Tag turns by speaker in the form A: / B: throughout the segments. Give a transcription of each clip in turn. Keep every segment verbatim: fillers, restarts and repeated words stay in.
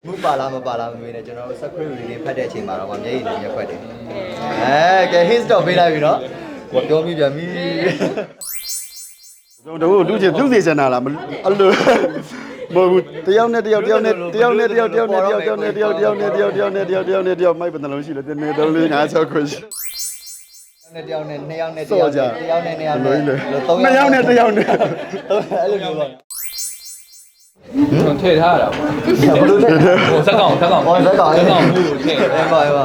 A: ဘူးပါလားမပါလားမမေးနဲ့ကျွန်တော်တို့ script reading ဖတ်တဲ့အချိန်မှာတော့မျက်ရည်နဲ့ရက်ခွက်တယ်အဲကဲ hint တော့ပေးလိုက်ပြီနော်ကိုပြောမိပြန်ပြီ
B: ကျွန်တော်တို့လူချင်းပြုတ်နေစနာလားအဲ့လိုမဟုတ်ဘူးတယောက်နဲ့တယောက်တယောက်နဲ့တယောက်နဲ့တယောက်တယောက်နဲ့တယောက်တယောက်နဲ့တယောက်တယောက်နဲ့တယောက်တယောက်နဲ့တယောက်တယောက်နဲ့တယောက်မိုက်ပန်လုံးရှိလို့တင်းနေတော့လေးငါဆောက်ခွင့်
A: နဲ့တယောက်နဲ့နှစ်ယောက်နဲ့တယောက်တယောက်နဲ့နှစ်ယောက်နဲ့
B: သုံးယောက်နဲ့တယောက်နဲ့
A: အဲ့လိုမျိုးပါ
C: ထည့်ထားရတာပေါ့ဘလို့ထည့်ဟိုဇက်ကောင်ဇက်ကောင်
A: ဟောဇက်ကောင်
C: ဇက်ကောင်မှုထည့်
A: အဲ့ပါပါ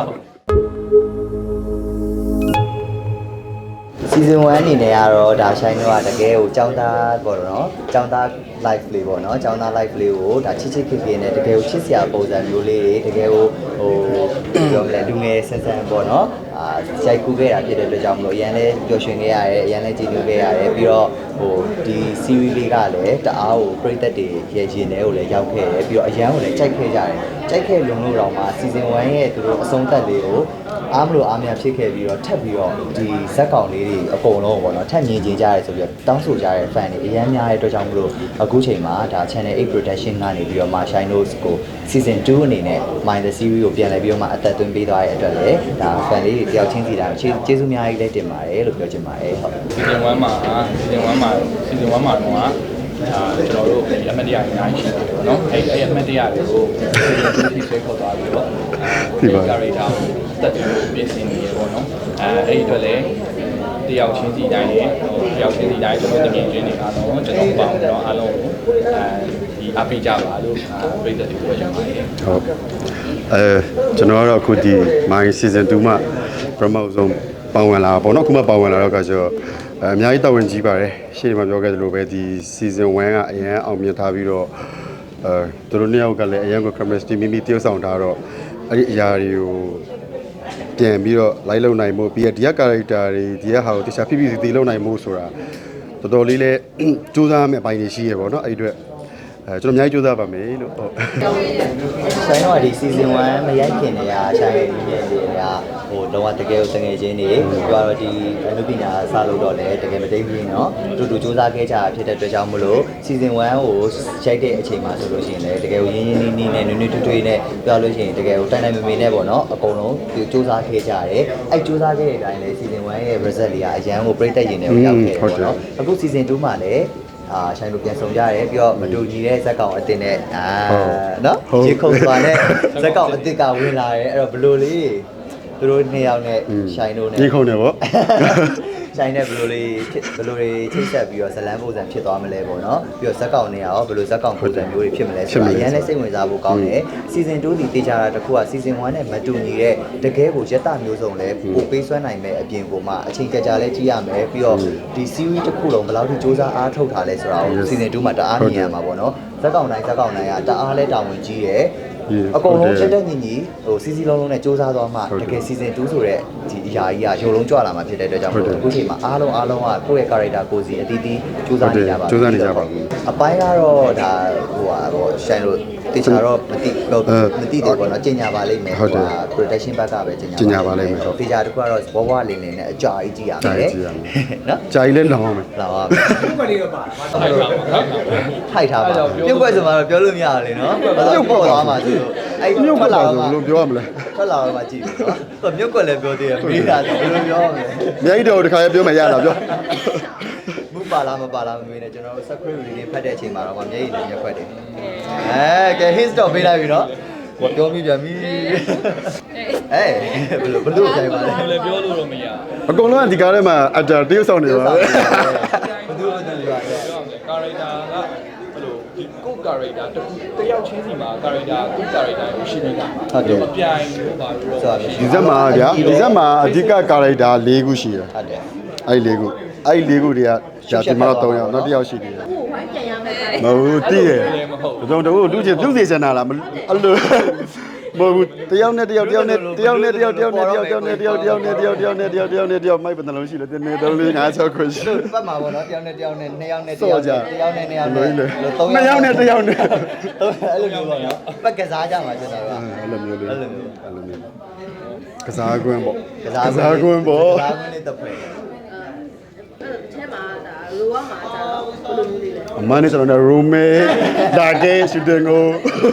A: season one အနေနဲ့ကတော့ဒါရှိုင်းတော့တကယ်ကိုចောင်းသားပေါ့နော်ចောင်းသား live play ပေါ့နော်ចောင်းသား live play ကိုဒါချစ်ချစ်ခင်ခင်နဲ့တကယ်ကိုချစ်စရာပုံစံမျိုးလေးတွေတကယ်ကိုဟိုပြောမလဲလူငယ်ဆန်းဆန်းပေါ့နော်အာရိုက်ကူးခဲ့တာဖြစ်တဲ့အတွက်ကြောင့်မလို့အရန်လဲပျော်ရွှင်ခဲ့ရတယ်အရန်လဲကြည်နူးခဲ့ရတယ်ပြီးတော့ဟိုဒီ series လေးကလည်းတအားကိုပရိသတ်တွေရဲ့ရင်ထဲကိုလည်းရောက်ခဲ့တယ်ပြီးတော့အရန်ကိုလည်းကြိုက်ခဲ့ကြတယ်ကြိုက်ခဲ့လုံလို့တော့မှ season one ရဲ့သူတို့အဆုံးသတ်လေးကိုအားမလို့အားမရဖြစ်ခဲ့ပြီးတော့ထပ်ပြီးတော့ဒီဇက်ကောင်လေးတွေအကုန်လုံးပေါ့နော်ထပ်မြင်ကြကြရဲဆိုပြီးတော့တောင်းဆိုကြတဲ့ fan တွေအများများတဲ့အတွက်ကြောင့်မလို့အခုချိန်မှာဒါ channel eight production ကနေပြီးတော့ Shine Notes ကို season two အနေနဲ့ Mind the series ကိုပြန်လည်ပြီးတော့မှအသက်သွင်းပေးသွားတဲ့အတွက်လည်းဒါ fan လေးတွေတယောက်ချင်းစီတာကျေးဇူးများကြီးလည်းတင်ပါတယ်လို့ပြောချင်ပါတယ်ဟုတ်
C: season one မှာ season one မှာ season one မှာတော့အာကျွန်တော်တို့အမတ်တရားအများကြီးရှိတယ်ပေါ့နော်အဲ့အဲ့အမတ်တရားတွေကိုဒီဆွဲခေါ်သွားပြီးတော့ဒီပါ character ကိုတက်ပြီးပြင်ဆင်နေရပေါ့နော်အဲအဲ့ဒီအတွက်လည်းတယောက်ချင်းစီတိုင်းနဲ့တယောက်ချင်းစီတိုင်းကျွန်တော်တကယ်ချင်းနေအားလုံးကျွန်တော်ပေါင်းတော့အားလုံးကိုအဲဒီအပိကြပါလို့ပြည်သက်တွေပြောချင်ပါတယ်
B: ဟုတ်အဲကျွန်တော်ကတော့အခုဒီ my season two မှာ promote ဆုံးပေါဝင်လာပေါ့နော်ခုမှပေါဝင်လာတော့ကကျတော့အများကြီးတော်ဝင်ကြီးပါတယ်ရှေ့မှာပြောခဲ့သလိုပဲဒီ season one ကအရင်အောင်မြင်ထားပြီးတော့အဲသူတို့နှစ်ယောက်ကလည်းအရင်က chemistry မိမိတည်ဆောင်ထားတော့အဲ့ဒီအရာတွေကိုပြန်ပြီးတော့ live လုပ်နိုင်မှုပြီးရဒီက character တွေဒီကဟာကိုတခြားဖိဖိစီစီလုပ်နိုင်မှုဆိုတာတော်တော်လေးလည်းစူးစမ်းမယ့်အပိုင်းတွေရှိရပေါ့နော်အဲ့ဒီအတွက်အဲကျွန်တော်အများကြီးစူးစမ်းပါမယ်လို့ဟုတ်
A: ဆိုင်တော့ဒီ season one မရိုက်ခင်တည်းကဆိုင်ရဲ့ဒီနေ့တွေကဟိုတော့တကယ်ကိုတငယ်ချင်းတွေပြောတော့ဒီအနုပညာစလို့တော့လည်းတကယ်မသိဘူးเนาะတူတူစူးစမ်းခဲ့ကြဖြစ်တဲ့အတွက်ကြောင့်မလို့ season one ကိုရိုက်တဲ့အချိန်မှာဆိုလို့ရှိရင်လည်းတကယ်ကိုရင်းရင်းနှီးနှီးနဲ့နွေ့နွေ့ထွေးထွေးနဲ့ပြောလို့ရှိရင်တကယ်ကိုတိုင်တိုင်မမေနဲ့ပေါ့เนาะအကုန်လုံးစူးစမ်းခဲ့ကြတယ်အဲ့စူးစမ်းခဲ့တဲ့အတိုင်းလည်း season one ရဲ့ result လေးကအရန်ကိုပြည့်တက်ရင်လည်းရောက်ခဲ့တယ်ပေါ့เนาะအခု season two မှာလည်းအာဆိုင်တို့ပြန်ဆောင်ကြရတယ်ပြီးတော့မတူညီတဲ့ဇက်ကောင်အတင်နဲ့အာနော်ရေခုံသွားတဲ့ဇက်ကောင်အစ်ကဝင်လာတယ်အဲ့တော့ဘလို့လေးသူတို့နှစ်ယောက်နဲ့ဆိုင်တို့နဲ့
B: ရေခုံတယ်ပေါ့
A: ဆိုင်နဲ့ဘလို့လေးဘလို့လေးချိတ်ဆက်ပြီးတော့ဇလန်းပုံစံဖြစ်သွားမလဲပေါ့နော်ပြီးတော့ဇက်ကောင်နဲ့ရောဘလို့ဇက်ကောင်ပုံစံမျိုးတွေဖြစ်မလဲဆိုတာအရင်လည်းစိတ်ဝင်စားဖို့ကောင်းတယ် season two ဒီတေချာတာတခုက season one နဲ့မတူညီတဲ့တကယ်ကိုရက်တာမျိုးစုံလဲပိုပေးဆွဲနိုင်မဲ့အပြင်ကိုမှအချိန်ကြာကြာလဲကြည့်ရမယ်ပြီးတော့ဒီ series တစ်ခုလုံးဘယ်လောက်ထိစူးစမ်းအားထုတ်ထားလဲဆိုတာကို season two မှာတအားမြင်ရမှာပေါ့နော်ဇက်ကောင်တိုင်းဇက်ကောင်တိုင်းကတအားလဲတာဝန်ကြီးတယ်အကုန်လုံးတက်တက်ညီညီဟိုစီစီလုံးလုံးနဲ့စူးစမ်းသွားမှတကယ် season two ဆိုတဲ့ဒီအရာကြီးကရုံလုံးကြွလာမှာဖြစ်တဲ့အတွက်ကြောင့်အခုချိန်မှာအားလုံးအားလုံးကကိုယ့်ရဲ့ character ကိုစီအတီးတီးစူးစမ်းနေကြပါ
B: စူးစမ်းနေကြပါဘူး
A: အပိုင်းကတော့ဒါဟိုဟာဟိုရှိုင်းလို့တေချာတော့မတိမတိတယ်ပေါ့နော်ကျင်ညာပါလိမ့်မယ်ဟို protection ဘက်ကပဲကျင်ညာ
B: ကျင်ညာပါလိမ့်မယ်
A: တေချာတခုကတော့ဘဝလင်းလင်းနဲ့အကြာကြီးကြည့်ရမယ်နော်
B: ကြာကြီးလဲလောင်းအောင်မယ်
A: လောင်းအောင်
C: ပြုတ်ွက်လေးတော့ပါထိုက်ထားပါ
A: ထိုက်ထားပါပြုတ်ွက်ဆိုမှတော့ပြောလို့မရဘူးလေနော်ပြုတ်ပေါ်သွားမှာဆိုလို့အဲ့
B: မြုပ်လာတော့လို့ပြောရမလဲ
A: ထွက်လာတော့မှကြည့်ပြီနော်မြုပ်ကွက်လည်းပြောသေးတယ်မေးတာဆိုဘယ်လိုပြောမလဲ
B: မြိုက်တော့တခါရပြောမှရတာပြော
A: ဘူးပါလားမပါလားမမေးနဲ့ကျွန်တော်တို့ script reading ဖတ်တဲ့အချိန်မှာတော့မျက်ရည်နဲ့ရက်ခွက်တယ်အဲကဲ hint တော့ပေးလိုက်ပြီနော်ကိုပြောမိပြန်ပြီအဲဘယ်လိုဘယ်လိုပြန်ပါလဲ
C: လည်းပြောလို့တော့မရ
B: အကုန်လုံးကဒီကားထဲမှာအတာတရုပ်ဆောင်နေပါပဲ
A: ဘယ်သူဘယ်သူပြောရလဲ
C: character ကဘယ်လိုဒီကို character တခုတယောက်ချင်းစီမှာ character ကို character ကိုရှိနေတာဟုတ်တယ်မပြိုင်လို့ပါပြီးတော့
B: ဒီဇက်မှာဗျာဒီဇက်မှာအဓိက character ၄ခုရှိတယ်
A: ဟုတ်တယ်
B: အဲ့၄ခုအဲ့၄ခုတွေကဂျာတီမှာတော့၃ယောက်နောက်တစ်ယောက်ရှိသေးတယ်
D: ဟိုဝိုင်းပြန်ရမယ်
B: မဟုတ်တည်ရကျွန်တော်တို့လူချင်းပြုတ်နေစနာလားအဲ့လိုမဟုတ်ဘူးတယောက်နဲ့တယောက်တယောက်နဲ့တယောက်နဲ့တယောက်တယောက်နဲ့တယောက်တယောက်နဲ့တယောက်တယောက်နဲ့တယောက်တယောက်နဲ့တယောက်တယောက်နဲ့တယောက်မိုက်ပန်လုံးရှိလို့တင်းနေတော့လေးငါဆောက်ခွင့်ရှိ
A: လို့ပတ်မှာပေါ့နော်တယောက်နဲ့တယောက်နဲ့နှစ်ယောက်နဲ့တယောက်နဲ့တယောက်နဲ့နှစ်ယောက်နဲ့
B: သုံးယောက်နဲ့တယောက်နဲ့
A: အဲ့လိုမျိုးပေါ့နော်ပတ်ကစားကြမှာကျွန်တော်က
B: အဲ့လိုမျိုးလေး
A: အဲ့လိုမျိုး
B: အဲ့လိုမျိုးကစားကွင်းပေါ့
A: ကစား
B: ကွင်းပေါ့
A: ကစားကွင်းလေးတစ်ဖက်
D: အဲ့ထဲမှာဒါလိုရမှာဒါတော့ဘယ်လိုမျိုးလေးလဲ
B: အမနဲ့ကျွန်တော်တို့ roommate ဒါကဲရှူတင်ကို
A: မ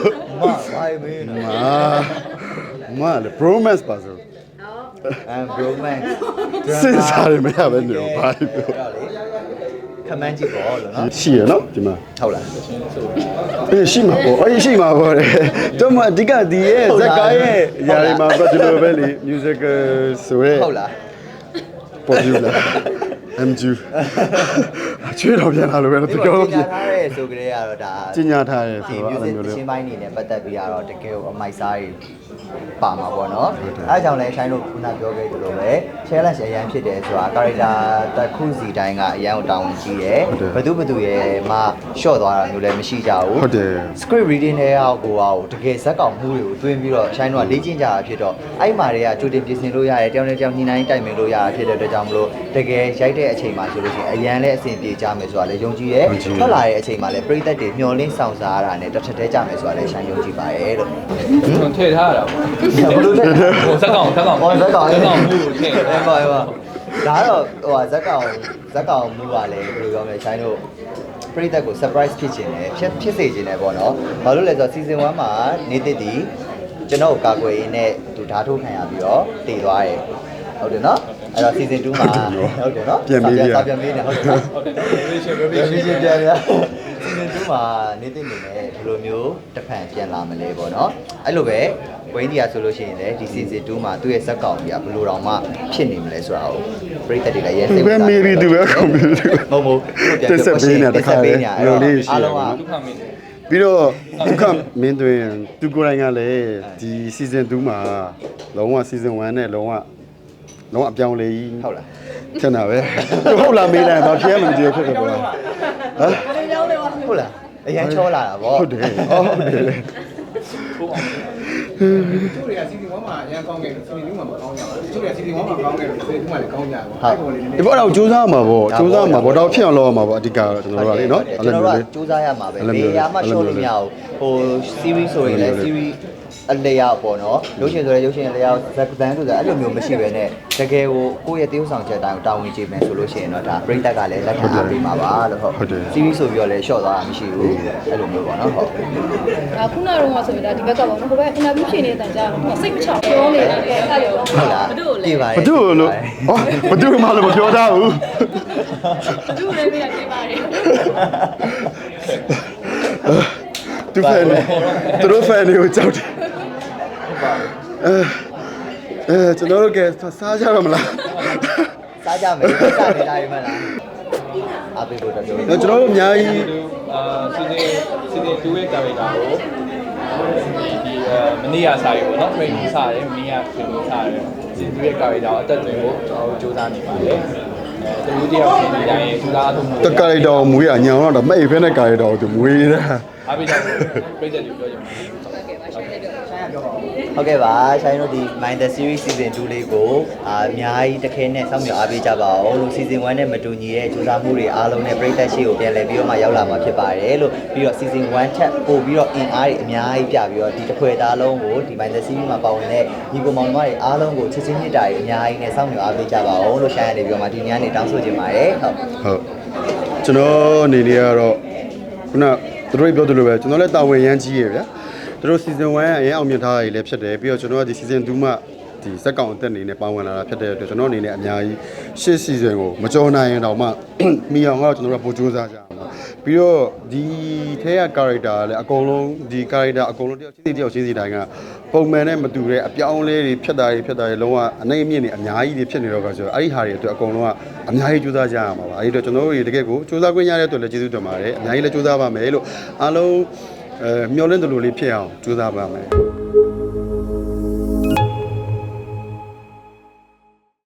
A: မဘာမေးနော်
B: မာမလေ bromance ပါဆို
A: အမ် bromance
B: စဉ်းစားရမရပဲနေဘာပြော
A: ခမန်းကြည့်ပေါ့လို့နော်
B: ရှိရနော်ဒီမှာ
A: ဟုတ်လား
B: အေးရှိမှာပေါ့အေးရှိမှာပေါ့လေတော့မအဓိကဒီရဲ့ဇက်ကားရဲ့ຢာရီမှာတော့ဒီလိုပဲလေ musical ဆိုရဲ
A: ဟုတ်လား
B: ပေါ်ပြလာ em ju ချွေးတော်ပြန်လာလို့ပဲတော့ပြော
A: ပြ
B: ပြ
A: ထားရဲဆိုကြရတော့ဒါ
B: ကျင်ညာထားရဲ
A: ဒီ
B: ဆိုတော့အဲ့
A: music
B: လိုမျိုးလေ
A: ရှင်းပိုင်းနေနဲ့ပတ်သက်ပြီးတော့တကယ်ကိုအမိုက်စားကြီးပါမှာပေါ့နော်အဲကြောင့်လဲဆိုင်တို့ခုနပြောခဲ့သလိုပဲ challenge အရန်ဖြစ်တယ်ဆိုတာ character တစ်ခုစီတိုင်းကအရန်ကိုတောင်းကြီးတယ်ဘသူဘသူရဲ့မှ short သွားတာမျိုးလည်းမရှိကြဘူး
B: ဟုတ်တယ်
A: script reading တွေအောက်ကိုအောက်တကယ်ဇက်ကောင်မှုတွေကိုတွင်းပြီးတော့ဆိုင်တို့ကလေ့ကျင့်ကြတာဖြစ်တော့အဲ့မှာတွေကကြိုတင်ပြင်ဆင်လို့ရတယ်တယောက်နဲ့တယောက်ညှိနှိုင်းတိုင်ပင်လို့ရတာဖြစ်တဲ့အတွက်ကြောင့်မလို့တကယ်ရိုက်တဲ့အချိန်မှာဆိုလို့ရှိရင်အရန်လည်းအဆင်ပြေကြမယ်ဆိုတာလည်းယုံကြည်ရဲထွက်လာတဲ့အချိန်မှာလည်းပရိသတ်တွေမျှော်လင့်ဆောင်စားရတာနဲ့တစ်ထက်တည်းကြမယ်ဆိုတာလည်းဆိုင်ယုံကြည်ပါရဲ့လို့
C: ဟိုထည့်ထားရတာပေါ့
A: ဘလို့လဲ
C: ဟိုဇက်ကောင်ဇက်ကောင်
A: ဟောဇက်ကောင်
C: ဇက်ကောင်မှုကိုထည့်
A: အဲ့ပါအဲ့ပါဒါတော့ဟိုဇက်ကောင်ဇက်ကောင်မှုကလည်းဘယ်လိုပြောမလဲဆိုင်တို့ပရိသတ်ကို surprise ဖြစ်ခြင်းနဲ့ဖြစ်ဖြစ်စေခြင်းနဲ့ပေါ့နော်ဘာလို့လဲဆိုတော့ season one မှာနေသစ်တီကျွန်တော်ကာကွယ်ရင်းနဲ့သူဓာတ်ထုတ်ခံရပြီးတော့တည်သွားတယ်ဟုတ်တယ်နော်အဲ့တော့ season two မှာဟုတ်တယ်နော်ပြန်ပေးရပြန်ပေးနေဟုတ်တယ်နော်
C: ဟုတ်တယ် revision
A: ပြန်
C: revision
A: ပြန်ပြန် season two မှာနေသစ်နေနဲ့ဘယ်လိုမျိုးတစ်ဖန်ပြန်လာမလဲပေါ့နော်အဲ့လိုပဲဝင်းဒီယာဆိုလို့ရှိရင်လည်းဒီ season two မှာသူ့ရဲ့ဇက်ကောင်ကြီးကဘယ်လိုတောင်မှဖြစ်နေမလဲဆိုတာကိုပရိသတ်တွေကရဲစိတ်
B: သူပဲမေးပြီးသူပဲကွန်ပျူတာ
A: မဟုတ်ဘူးပြန်ပြောပေးနေတခါလေအားလုံးက
C: ဒုက္ခမင်း
B: ပြီးတော့ဒုက္ခမင်းတွင်သူကိုယ်တိုင်ကလည်းဒီ season two မှာလုံးဝ season one နဲ့လုံးဝလုံးဝအပြောင်းလဲကြီး
A: ဟုတ်လား
B: ထင်တာပဲဟုတ်လားမေးလိုက်တော့ဖြေမှမကြည့်ဖြစ်တယ်ကွာဟမ်
A: ဟုတ်လားအရင်ချောလာတာဗော
B: ဟုတ်တယ်အော်ဟုတ်တယ်လေ
C: ထိုးအောင်
E: သူတွေက season one မှာအရင်ကောင်းခဲ့တယ် season two မှာမကောင်းကြဘူးသူတွေက season one မှာကောင်းခဲ့တယ် season two မှာလည်းကောင်းကြတယ်ပေါ့အဲ့ပေါ်လေးနည်းန
B: ဒီ
E: ည်း
B: ဘောတော့စူးစမ်းမှာပေါ့စူးစမ်းမှာပေါ့တော့ဖြစ်အောင်လုပ်ရမှာပေါ့အဓိကကျွန်တော်တို့ကလေနော်
A: ကျွန်တော်တို့ကစူးစမ်းရမှာပဲဘေးရမှရှော့လို့မရဘူးဟို series ဆိုရင်လည်း series အလျောက်ပေါ့နော်ရုပ်ရှင်ဆိုရင်ရုပ်ရှင်အလျောက်ဇက်ပန်ဆိုတာအဲ့လိုမျိုးမရှိပဲနဲ့တကယ်ကိုကိုယ့်ရဲ့တရုပ်ဆောင်ချက်တိုင်းကိုတာဝန်ကျေမယ်ဆိုလို့ရှိရင်တော့ဒါပရိသတ်ကလည်းလက်ခံအားပေးမှာပါလို့ဟုတ် series ဆိုပြီးတော့လည်း short သွားတာမရှိဘူးအဲ့လိုမျိုးပေါ့နော်ဟုတ်
F: ဒါခုနကတော့ဆိုရင်ဒါဒီဘက်ကပေါ့နော်ဟိုဘက် interview ဖြေနေတဲ့တန်ကြာစိတ်မချောင်ပြောနေတာကဲအဲ့လို
A: ဟုတ်လားပြေးပါ
B: ဘသူလို့ဟောဘသူမှလည်းမပြောသားဘူး
F: ဘသူလည်းမရသေးပါနဲ့
B: သူဖန်သူတို့ဖန်တွေကိုကြောက်တယ်အဲအဲကျွန်တော်တို့ကစားကြရမလား
A: စားကြမယ်စားနေတာရမလားအပေးဖို့တော့ပြော
B: ကျွန်တော်တို့အများကြီး
C: အာ season season two ရဲ့ character ကိုဒီမနေ့ကစားရေပေါ့နော် training စားတယ်မနေ့က training စားတယ် season two ရဲ့ character ကိုအသက်သွင်းဖို့ကျွန်တော်တို့စူးစမ်းနေပါတယ်အဲတူတယောက်ဒီတိုင်းစူးစမ်းအထုံးမှု
B: တကာရီတော်မွေးရညောင်းတော့မဲ့ဖဲနဲ့ကာရီတော်ကိုသူမွေးနေတာ
C: အားပေးကြဖို့ပြည့်တဲ့လူပြောကြမှာ
A: ဟုတ်ကဲ့ပါဆိုင်တို့ဒီ Mind Series Season two လေးကိုအာအများကြီးတစ်ခဲနဲ့စောင့်မျှော်အားပေးကြပါအောင်လို့ Season one နဲ့မတူညီတဲ့ကြိုးစားမှုတွေအားလုံးနဲ့ပြည်သက်ရှိကိုပြန်လည်ပြီးတော့မှရောက်လာမှာဖြစ်ပါတယ်လို့ပြီးတော့ Season one ထက်ပို့ပြီးတော့အင်အားတွေအများကြီးပြပြီးတော့ဒီတစ်ခွဲသားလုံးကိုဒီ Mind Series မှာပါဝင်တဲ့ညီကိုမောင်နှမတွေအားလုံးကိုချစ်ချင်းမြတ်တာတွေအများကြီးနဲ့စောင့်မျှော်အားပေးကြပါအောင်လို့ဆိုင်ရနေပြီးတော့မှဒီညနေတောင်းဆိုချင်ပါတယ်ဟုတ်
B: ဟုတ်ကျွန်တော်အနေနဲ့ကတော့ခုနသူတို့ပြောသလိုပဲကျွန်တော်လည်းတာဝန်ရမ်းကြီးရဗျာသူတို့ season one အရင်အောင်မြင်ထားတာတွေလည်းဖြစ်တယ်ပြီးတော့ကျွန်တော်ကဒီ season two မှာဒီစက်ကောင်အသက်အနေနဲ့ပါဝင်လာတာဖြစ်တဲ့အတွက်ကျွန်တော်အနေနဲ့အများကြီးရှစ် season ကိုမကြော်နိုင်ရင်တော့မှမိအောင်ကတော့ကျွန်တော်တို့ပို့ကြိုးစားကြအောင်ပါပြီးတော့ဒီထဲက character လည်းအကုန်လုံးဒီ character အကုန်လုံးတယောက်ချင်းစီတယောက်ချင်းစီတိုင်းကပုံမှန်နဲ့မတူတဲ့အပြောင်းလဲတွေဖြစ်တာတွေဖြစ်တာတွေလုံးဝအနေအမြင့်တွေအများကြီးတွေဖြစ်နေတော့ကဆိုတော့အဲ့ဒီဟာတွေအတွက်အကုန်လုံးကအများကြီးကြိုးစားကြရမှာပါအဲ့ဒီတော့ကျွန်တော်တို့တွေတကယ်ကိုကြိုးစားခွင့်ရတဲ့အတွက်လည်းကျေးဇူးတင်ပါတယ်အများကြီးလည်းကြိုးစားပါမယ်လို့အားလုံးအဲမျှော်လင့်တယ်လို့လေးဖြစ်အောင်ကြိုးစားပါမယ်